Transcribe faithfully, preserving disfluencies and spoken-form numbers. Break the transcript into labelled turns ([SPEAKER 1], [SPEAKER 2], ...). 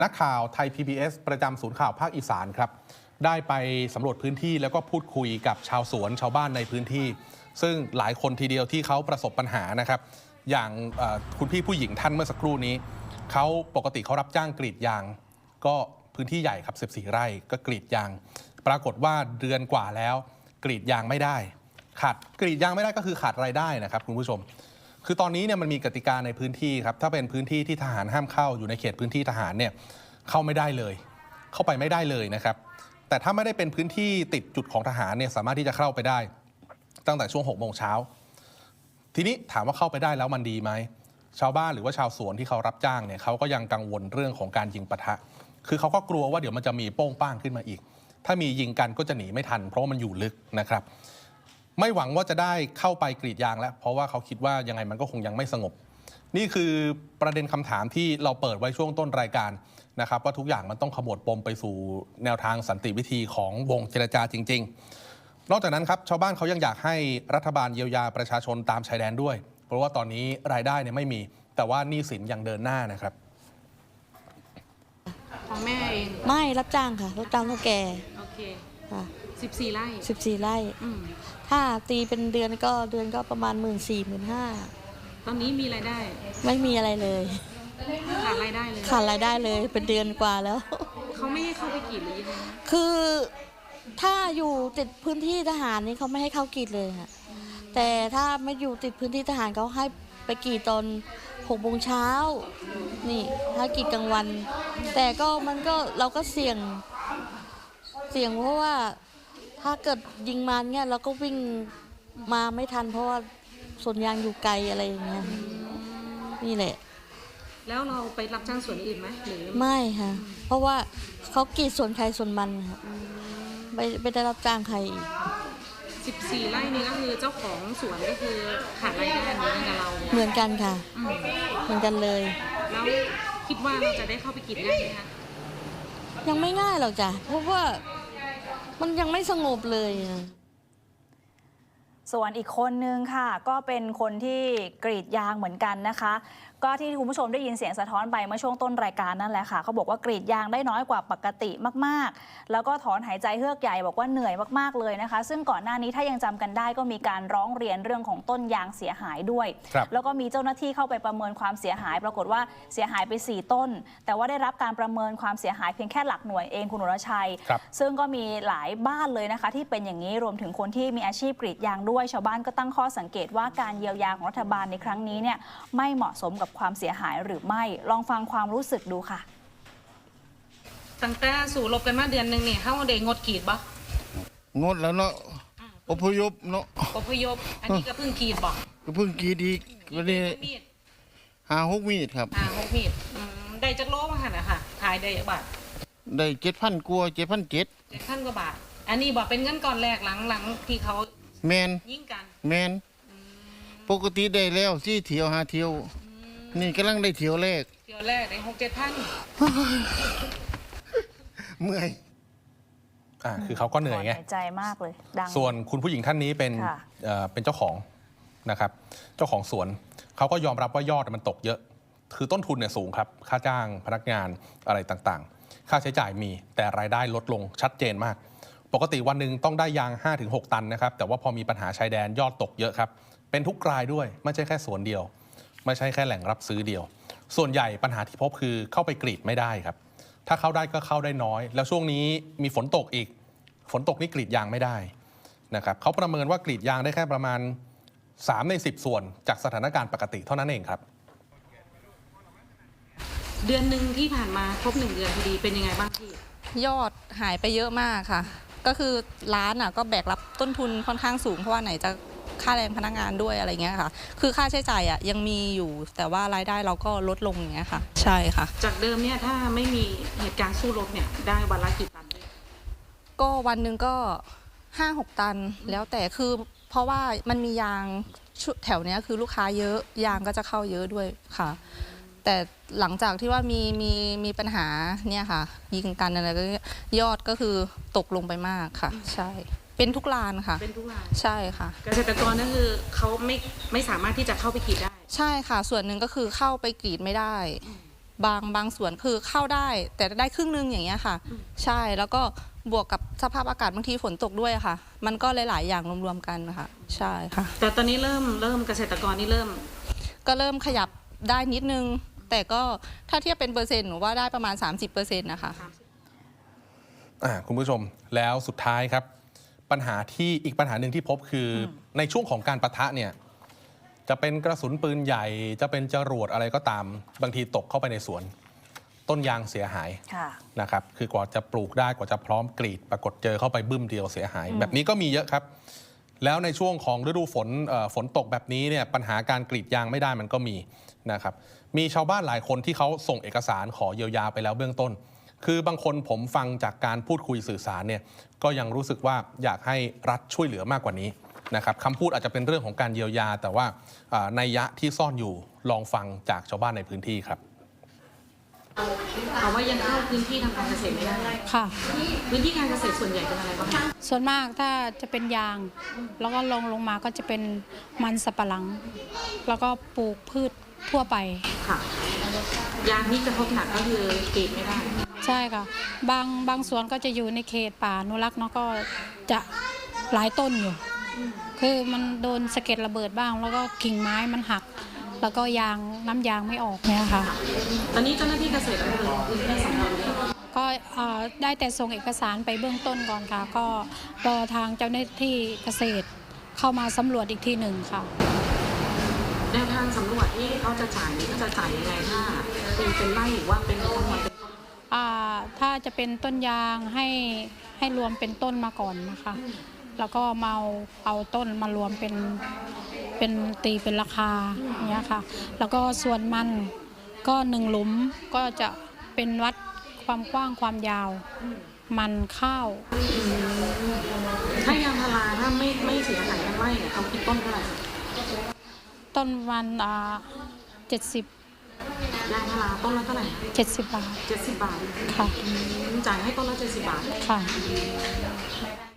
[SPEAKER 1] นักข่าวไทย พี บี เอส ประจำศูนย์ข่าวภาคอีสานครับได้ไปสำรวจพื้นที่แล้วก็พูดคุยกับชาวสวนชาวบ้านในพื้นที่ซึ่งหลายคนทีเดียวที่เขาประสบปัญหานะครับอย่างคุณพี่ผู้หญิงท่านเมื่อสักครู่นี้เขาปกติเขารับจ้างกรีดยางก็พื้นที่ใหญ่ครับสิบสี่ไร่ก็กรีดยางปรากฏว่าเดือนกว่าแล้วกรีดยางไม่ได้ขาดกรีดยางไม่ได้ก็คือขาดรายได้นะครับคุณผู้ชมคือตอนนี้เนี่ยมันมีกติกาในพื้นที่ครับถ้าเป็นพื้นที่ที่ทหารห้ามเข้าอยู่ในเขตพื้นที่ทหารเนี่ยเข้าไม่ได้เลยเข้าไปไม่ได้เลยนะครับแต่ถ้าไม่ได้เป็นพื้นที่ติดจุดของทหารเนี่ยสามารถที่จะเข้าไปได้ตั้งแต่ช่วงหกโมงเช้าทีนี้ถามว่าเข้าไปได้แล้วมันดีไหมชาวบ้านหรือว่าชาวสวนที่เขารับจ้างเนี่ยเขาก็ยังกังวลเรื่องของการยิงปะทะคือเขาก็กลัวว่าเดี๋ยวมันจะมีโป้งป้างขึ้นมาอีกถ้ามียิงกันก็จะหนีไม่ทันเพราะว่ามันอยู่ลึกนะครับไม่หวังว่าจะได้เข้าไปกรีดยางแล้วเพราะว่าเขาคิดว่ายังไงมันก็คงยังไม่สงบนี่คือประเด็นคำถามที่เราเปิดไว้ช่วงต้นรายการนะครับว่าทุกอย่างมันต้องขมวดปมไปสู่แนวทางสันติวิธีของวงเจรจาจริงๆนอกจากนั้นครับชาวบ้านเขายังอยากให้รัฐบาลเยียวยาประชาชนตามชายแดนด้วยเพราะว่าตอนนี้รายได้เนี่ยไม่มีแต่ว่าหนี้สินยังเดินหน้านะครับ
[SPEAKER 2] ของแม่เอง
[SPEAKER 3] ไม่รับจ้างค่ะรับจ้างเท่าแก่
[SPEAKER 2] โอเค
[SPEAKER 3] ค่ะ
[SPEAKER 2] สิบสี่ไร่
[SPEAKER 3] สิบสี่ไร่ถ้าตีเป็นเดือนก็เดือนก็ประมาณหมื่นสี่หมื่นห้า
[SPEAKER 2] ตอนนี้มีรายได้
[SPEAKER 3] ไม่มีอะไรเลย
[SPEAKER 2] ขาดรายได้เลย
[SPEAKER 3] ขาดรายได้เลยเป็นเดือนกว่าแล้ว
[SPEAKER 2] เขาไม่ให้เข้าไปกรีดหรือยังไง
[SPEAKER 3] คือถ้าอยู่ติดพื้นที่ทหารนี่เขาไม่ให้เข้ากรีดเลยค่ะแต่ถ้าไม่อยู่ติดพื้นที่ทหารเขาให้ไปกรีดตอนหกโมงเช้านี่ถ้ากรีดกลางวันแต่ก็มันก็เราก็เสี่ยงเสี่ยงเพราะว่าถ้าเกิดยิงมาเนี่ยเราก็วิ่งมาไม่ทันเพราะว่าสวนยางอยู่ไกลอะไรอย่างเงี้ยนี่แหละ
[SPEAKER 2] แล้วเราไปรับจ้างสวนอื่นไหมหรือ
[SPEAKER 3] ไม่ค่ะเพราะว่าเขากรีดสวนใครสวนมันค่ะไม่ไม่ได้รับจ้างใครอีก
[SPEAKER 2] สิบสี่ไร่นี้ก็คือเจ้าของสวนก็คือขาดรายได้เหมือนกับเรา
[SPEAKER 3] เหมือนกันค่ะเหมือนกันเลย
[SPEAKER 2] แล้วคิดว่าเราจะได้เข้าไปกรีดง่ายไหมคะ
[SPEAKER 3] ยังไม่ง่ายหรอกจ้ะเพราะว่ามันยังไม่สงบเลย
[SPEAKER 4] ส่วนอีกคนนึงค่ะก็เป็นคนที่กรีดยางเหมือนกันนะคะก็ที่คุณผู้ชมได้ยินเสียงสะท้อนไปเมื่อช่วงต้นรายการนั่นแหละค่ะเขาบอกว่ากรีดยางได้น้อยกว่าปกติมากๆแล้วก็ถอนหายใจเฮือกใหญ่บอกว่าเหนื่อยมากๆเลยนะคะซึ่งก่อนหน้านี้ถ้ายังจำกันได้ก็มีการร้องเรียนเรื่องของต้นยางเสียหายด้วยแล้วก็มีเจ้าหน้าที่เข้าไปประเมินความเสียหายปรากฏว่าเสียหายไปสี่ต้นแต่ว่าได้รับการประเมินความเสียหายเพียงแค่หลักหน่วยเองคุณอรชัยซึ่งก็มีหลายบ้านเลยนะคะที่เป็นอย่างนี้รวมถึงคนที่มีอาชีพกรีดยางด้วยชาวบ้านก็ตั้งข้อสังเกตว่าการเยียวยาของรัฐบาลในครั้งนี้เนี่ยไม่เหมาะสมกับความเสียหายหรือไม่ลองฟังความรู้สึกดูค่ะ
[SPEAKER 2] ตั้งแต่สู่ลบกันมาเดือนหนึ่งเนี่ยเขาได้งดกรีดปะ
[SPEAKER 5] งดแล้วเนาะอพยพเนาะ
[SPEAKER 2] อพยพอันนี้ก็เพิ่งกรีดบอก
[SPEAKER 5] ก็เพิ่งกรีดอีกวันนี้หาหกมีดครับ
[SPEAKER 2] หาหกมีดได้จักโลมาค่ะนะคะขายได้จักบาท
[SPEAKER 5] ได้เจ็ดพันกว่าเจ็ดพันเจ็ด
[SPEAKER 2] เจ็ดพันกว่าบาทอันนี้บอกเป็นเงินก่อนแรกหลังหลังที่เขา
[SPEAKER 5] แมน
[SPEAKER 2] ยิ่งกัน
[SPEAKER 5] แมนปกติได้แล้วสี่เที่ยวห้าเที่ยวนี่กำลังได้เที่ยวแรก
[SPEAKER 2] เที่ยวแรกได้หกเจ็ดพัน
[SPEAKER 5] เมื่อย
[SPEAKER 1] อ่าคือเขาก็เหนื่อยไง
[SPEAKER 4] ใจมากเลยดัง
[SPEAKER 1] ส่วนคุณผู้หญิงท่านนี้เป็นเอ่อเป็นเจ้าของนะครับเจ้าของสวนเขาก็ยอมรับว่ายอดมันตกเยอะคือต้นทุนเนี่ยสูงครับค่าจ้างพนักงานอะไรต่างๆค่าใช้จ่ายมีแต่รายได้ลดลงชัดเจนมากปกติวันหนึ่งต้องได้ยาง ห้าถึงหก ตันนะครับแต่ว่าพอมีปัญหาชายแดนยอดตกเยอะครับเป็นทุกรายด้วยไม่ใช่แค่สวนเดียวไม่ใช่แค่แหล่งรับซื้อเดียวส่วนใหญ่ปัญหาที่พบคือเข้าไปกรีดไม่ได้ครับถ้าเข้าได้ก็เข้าได้น้อยแล้วช่วงนี้มีฝนตกอีกฝนตกนี่กรีดยางไม่ได้นะครับเขาประเมินว่ากรีดยางได้แค่ประมาณสามในสิบส่วนจากสถานการณ์ปกติเท่านั้นเองครับ
[SPEAKER 2] เดือนหนึ่งที่ผ่านมาครบหนึ่งเดือนพอดีเป็นยังไงบ้างพี่
[SPEAKER 6] ยอดหายไปเยอะมากค่ะก็คือร้านอ่ะก็แบกรับต้นทุนค่อนข้างสูงเพราะว่าไหนจะค่าแรงพนักงานด้วยอะไรเงี้ยค่ะคือค่าใช้จ่ายอ่ะยังมีอยู่แต่ว่ารายได้เราก็ลดลงอย่างเงี้ยค่ะใช่ค่ะ
[SPEAKER 2] จากเดิมเนี่ยถ้าไม่มีเหตุการณ์สู้รบเนี่ยได้วันละกี่ตัน
[SPEAKER 6] ก็วันหนึ่งก็ห้าหกตันแล้วแต่คือเพราะว่ามันมียางแถวเนี้ยคือลูกค้าเยอะยางก็จะเข้าเยอะด้วยค่ะแต่หลังจากที่ว่ามีมีมีปัญหาเนี่ยค่ะยิงกันอะไรก็ยอดก็คือตกลงไปมากค่ะใช่เป็นทุกร้านค่ะ
[SPEAKER 2] เป็นทุกร้าน
[SPEAKER 6] ใช่ค่ะ
[SPEAKER 2] เกษตรกรนั่นคือเขาไม่ไม่สามารถที่จะเข้าไปกรีดได้
[SPEAKER 6] ใช่ค่ะส่วนหนึ่งก็คือเข้าไปกรีดไม่ได้บางบางส่วนคือเข้าได้ แต่ได้ครึ่งนึงอย่างเงี้ยค่ะ ใช่แล้วก็บวกกับสภาพอากาศบางทีฝนตกด้วยค่ะ มันก็หลายๆอย่างรวมๆกันนะคะใช่ค่ะ
[SPEAKER 2] แต่ตอนนี้เริ่มเริ่มเกษตรกรนี่เริ่ม
[SPEAKER 6] ก็เริ่มขยับได้นิดนึง แต่ก็ถ้าเทียบเป็นเปอร์เซ็นต์หนูว่าได้ประมาณ สามสิบเปอร์เซ็นต์ นะคะ
[SPEAKER 1] อ่าคุณผู้ชมแล้วสุดท้ายครับ ปัญหาที่อีกปัญหาหนึ่งที่พบคืออในช่วงของการปะทะเนี่ยจะเป็นกระสุนปืนใหญ่ จะเป็นจรวดอะไรก็ตามบางทีตกเข้าไปในสวน ต้นยางเสียหาย
[SPEAKER 4] ค่ะ
[SPEAKER 1] นะครับคือกว่าจะปลูกได้กว่าจะพร้อมกรีด ปรากฏเจอเข้าไปบึ้มเดียวเสียหาย แบบนี้ก็มีเยอะครับ แล้วในช่วงของฤดูฝนเอ่อฝนตกแบบนี้เนี่ยปัญหาการกรีดยางไม่ได้มันก็มีนะครับมีชาวบ้านหลายคนที่เขาส่งเอกสารขอเยียวยาไปแล้วเบื้องต้น คือบางคนผมฟังจากการพูดคุยสื่อสารเนี่ยก็ยังรู้สึกว่าอยากให้รัฐช่วยเหลือมากกว่านี้นะครับคำพูดอาจจะเป็นเรื่องของการเยียวยา แต่ว่าอ่านัยยะที่ซ่อนอยู่ลองฟังจากชาวบ้านในพื้นที่ครับ
[SPEAKER 2] เอาว่ายังเข้าพื้นที่ทางการเกษตรไม่ได้
[SPEAKER 7] ค่ะ
[SPEAKER 2] พื้นที่การเกษตรส่วนใหญ่เป็นอะไรบ้างคะ
[SPEAKER 7] ส่วนมากถ้าจะเป็นยาง แล้วก็ลงลงมาก็จะเป็นมันสับปะหลัง แล้วก็ปลูกพืชทั่วไป
[SPEAKER 2] ค่ะ ยางนี่กระทบหนักก็คือกรีดไม่ได้
[SPEAKER 7] ใช่ค่ะ บางบางสวนก็จะอยู่ในเขตป่าอนุรักษ์เนาะก็จะหลายต้นอยู่ คือมันโดนสะเก็ดระเบิดบ้าง แล้วก็กิ่งไม้มันหัก แล้วก็ยางน้ำยางไม่ออกเนี่ยค่ะ
[SPEAKER 2] ตอนนี้เจ้าหน้าที่เกษตรอำเภอลงพื้นที่สำรวจเลย
[SPEAKER 7] ก็เอ่อได้แต่ส่งเอกสารไปเบื้องต้นก่อนค่ะ ก็รอทางเจ้าหน้าที่เกษตรเข้ามาสำรวจอีกทีหนึ่งค่ะ
[SPEAKER 2] แนวทางสำรวจที่เขาจะจ่ายนี่เขาจะจ่ายยังไงถ้าเป็นเป็นไร่หรือว่าเป็นทั้งหมดเป็น
[SPEAKER 7] อ่าถ้าจะเป็นต้นยางให้ให้รวมเป็นต้นมาก่อนนะคะ แล้วก็มาเอาเอาต้นมารวมเป็นเป็นตีเป็นราคาอย่างเงี้ยค่ะ แล้วก็ส่วนมันก็หนึ่งหลุมก็จะเป็นวัดความกว้างความยาว มันข้าว
[SPEAKER 2] ถ้ายางพาราถ้าไม่ไม่เสียหายทั้งไร่เนี่ยเขาคิดต้นเท่าไหร่
[SPEAKER 7] ต้นมันอ่าเจ็ดสิบ
[SPEAKER 2] ยางพาราต้นละเท่าไหร่
[SPEAKER 7] เจ็ดสิบบาท
[SPEAKER 2] เจ็ดสิบบาท
[SPEAKER 7] ค่ะ
[SPEAKER 2] จ่ายให้ต้นละเจ็ดสิบบาท
[SPEAKER 7] ค่ะ